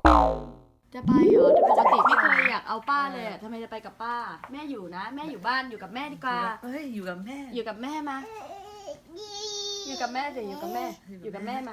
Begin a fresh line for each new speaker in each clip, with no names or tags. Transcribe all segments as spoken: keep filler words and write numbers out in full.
จะไปเหรอแต่ปกติไม่เคยอยากเอาป้าเลยอะทำไมจะไปกับป้า แม่อยู่นะ แม่อยู่บ้านอยู่กับแม่ดีกว่า
เฮ้ยอยู่กับแม่
อยู่กับแม่มา อยู่กับแม่เดี๋ยวอยู่กับแม่ อยู่กับแม่มา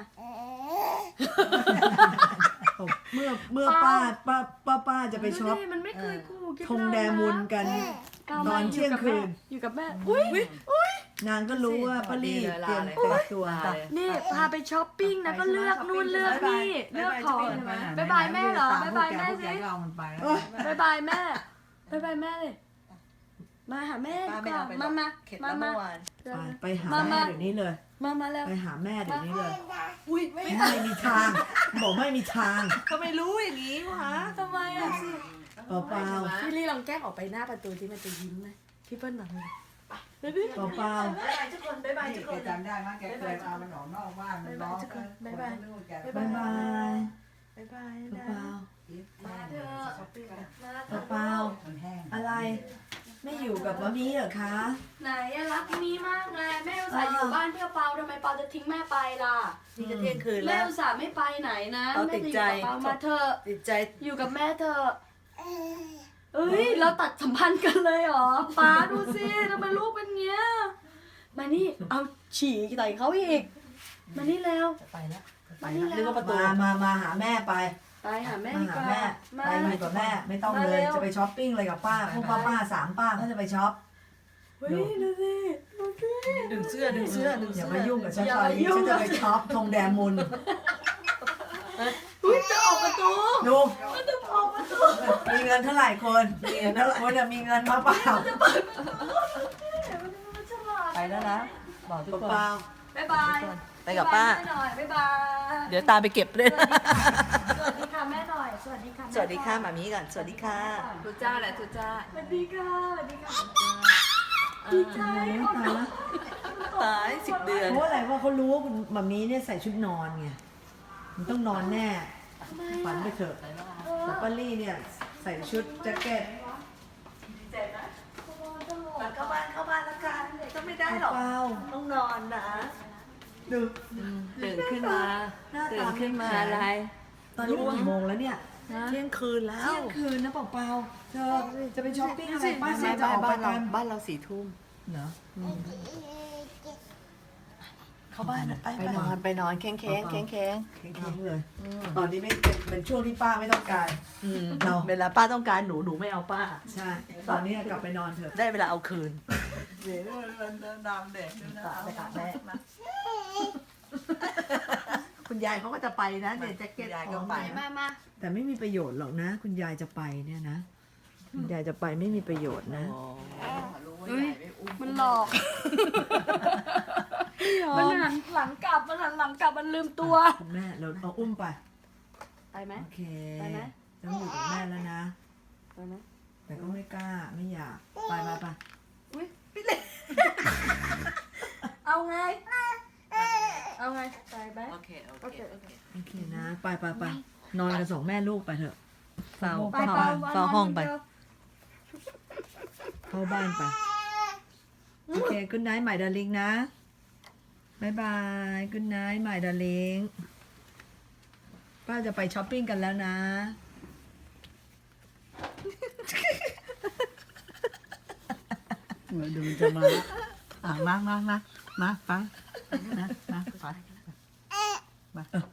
เมื่อเมื่อป้าป้าป้าป้าจะไปช็อป
ดูดิมันไม่เคยคู่คิด
ธงแดมุนกัน
ก้าว
ตอนเที่ยงคืน
อยู่กับแม่ อุ้ยอุ้ย
นางก็รู้ว่าป้าลี่เตรียมแต่งตัว
นี่พาไปช้อปปิ้งนะก็เลือกนู่นเลือกนี่เลือกของบายบายแม่เหรอบายบายแม่สิ
เอามันไปแล้ว
บายบายแม่บายบายแม่เลยมาหาแม่ดีกว่ามามามามา
ไปหาแม่เดี๋ยวนี้เลย
มามาแล้ว
ไปหาแม่เดี๋ยวนี้เลย
อุ้ยไม่
ไม่มีทางบอกไม่มีทาง
เขาไม่รู้อย่างนี้วะ
ทำไมอ่ะ
เปล่าเปล่า
พี่ลี่ลองแกล้งออกไปหน้าประตูที่มันจะยิ้มไหมพี่เปิ้ลบอกเลย
เปล่าเปล่า
บายบายทุกคนบายบายทุก
แก
คน
จำได้มั้ยแกเคยเอามันออกนอกบ้านมันร้อง
บ๊ายบาย
บายบาย
บายบาย
เป
นะ
ล่า
มาเถอะมาเถ
เปล่า
อะ
เปล่า
มันแห้ง
อะไร ไม่อยู่กับมะมี่เหรอคะ
ไหนอะรักมีมากเลยแม่อุตส่าห์อยู่บ้านเพื่อเปาทำไมเปาจะทิ้งแม่ไปล่ะ
นี่จะเที่ยงคืน
แม่
แล้ว
อุตส่าห์ไม่ไปไหนนะ
เอา
แม่
ติด
จะอยู่
ใจ
กับเปามาเถอะ
ติดใจ
อยู่กับแม่เถอะเอ้ยเราตัดสัมพันธ์กันเลยเหรอป้าดูสิทำไมลูกเป็นเงี้ยมานี่เอาฉี่ใส่เขาอีกมานี่แล้ว
ไปแล้วไป
มานี่
แล้ว
แล้ว
นึกว่าประตู
มามามาหาแม่ไป
ไปหาแม่
มา
ดี
หาก
ว่า
แม่
มา
ไปอยู่กับแม่ไม่ต้อง
มา
เลย
เร็ว
จะไปช้อปปิ้งอะไรกับป้าพวกป้าป้าสามป้าเขาจะไปช็อป
เฮ้ยดูสิดูสิ
ดึงเสื้อดึงเสื้อดึง
อ
เสื้
ย่า
อ
มายุ่งกับฉัน
อย่า
ตอน
มา
นี้
ยุ่ง
ฉันจะไปช็อปธงแดงมุน
อุ้ยจะออกประตู
ดู
มันจะออกประตู
มีเงินเท่าไหร่คนมีเงินเท่าไหร่คนจะมีเงินมาเปล่า
มันฉลาด
ไปแล้วนะบอกทุกคน
เปล่า
บ๊ายบาย
ไปกับป้า
แม่หน่อยบ๊ายบาย
เดี๋ยวตามไปเก็บด้วย
สวัสดีค่ะแม่หน่อย สวัสดีค่ะ
สวัสดีค่ะหมามีก่อนสวัสดีค่ะ
ทุจ้าแหละทุจ้าสวัสดีค่ะสวัสดีค่ะดีใจ
ตายแล้ว
ตายสิบเดือน
เพราะอะไรว่าเขารู้ว่าคุณมัมมี่เนี่ยใส่ชุดนอนไงมันต้องนอนแน่ฝันไปเถอะแต่ป้าลี่เนี่ยใส่ชุดแจ็คเก็ต
เข้าบ้านเข้าบ้านแล้วกันก็ไม่ได้หรอก
เปล่า
ต้องนอนนะ
ดู
ตื่นขึ้นมา
หน้า
ตื่
ตาน
ขึ้นมาอะไร
ตอนนี้มันกี่โมงแล้วเนี่ย
เที่ยงคืนแล้
เที่
วย
งคืนนะเปล่าเปล่าเธอจะไปช้อปปิ้งอะไรป้า
ไม่
เสี
ไม่
ยจะออกไป
บ้านเรา
กัน
บ้านเราสี่ทุ่ม
เหรอ
เข้าบ้านไปไปนอนไปนอนแข็งแข็งแข็งแข็ง
แข็งๆเลย ตอนนี้ไม่เป็นเป็นช่วงที่ป้าไม่ต้องการ เรา
เวลาป้าต้องการหนูหนูไม่เอาป้า
ใช่ ตอนนี้กลับไปนอนเถอะ
ได้เวลาเอาคืนเดี๋ยวมันดำเด็กไปกับแม่คุณยายเขาก็จะไปนะเนี่ยแจ็คเก็ตยายก็ไป
มามา
แต่ไม่มีประโยชน์หรอกนะ คุณยายจะไปเนี่ยนะ คุณยายจะไปไม่มีประโยชน์นะ
มันหลอก มันหันหลังกลับ มันหันหลังกลับ มันลืมตัว
คุณแม่เราเอาอุ้มไป
ไปไหม
โอเค
ไปไหม
ต้องอยู่กับแม่แล้วนะ
ไปไหม
แต่ก็ไม่กล้าไม่อยากไปไปไป
อุ้ยพี่เล็กเอาไง เอาไง ไปไหม
โอเคโอ
โอ
เค
เคโอเค
โอเคนะ ไปไปไปนอนกันสองแม่ลูกไปเถอะ
เฝ้า
ไป
เฝ้า
เปล่า
เฝ้าห้องไป
เข้าบ้านไป โอเคกุนไนท์ใหม่ดาริงนะบายบายกุนไนท์ใหม่ดาริงป้าจะไปช้อปปิ้งกันแล้วนะ
เดี๋ยวมันจะมาอ่ะมามามามาฟังนะมาฟัง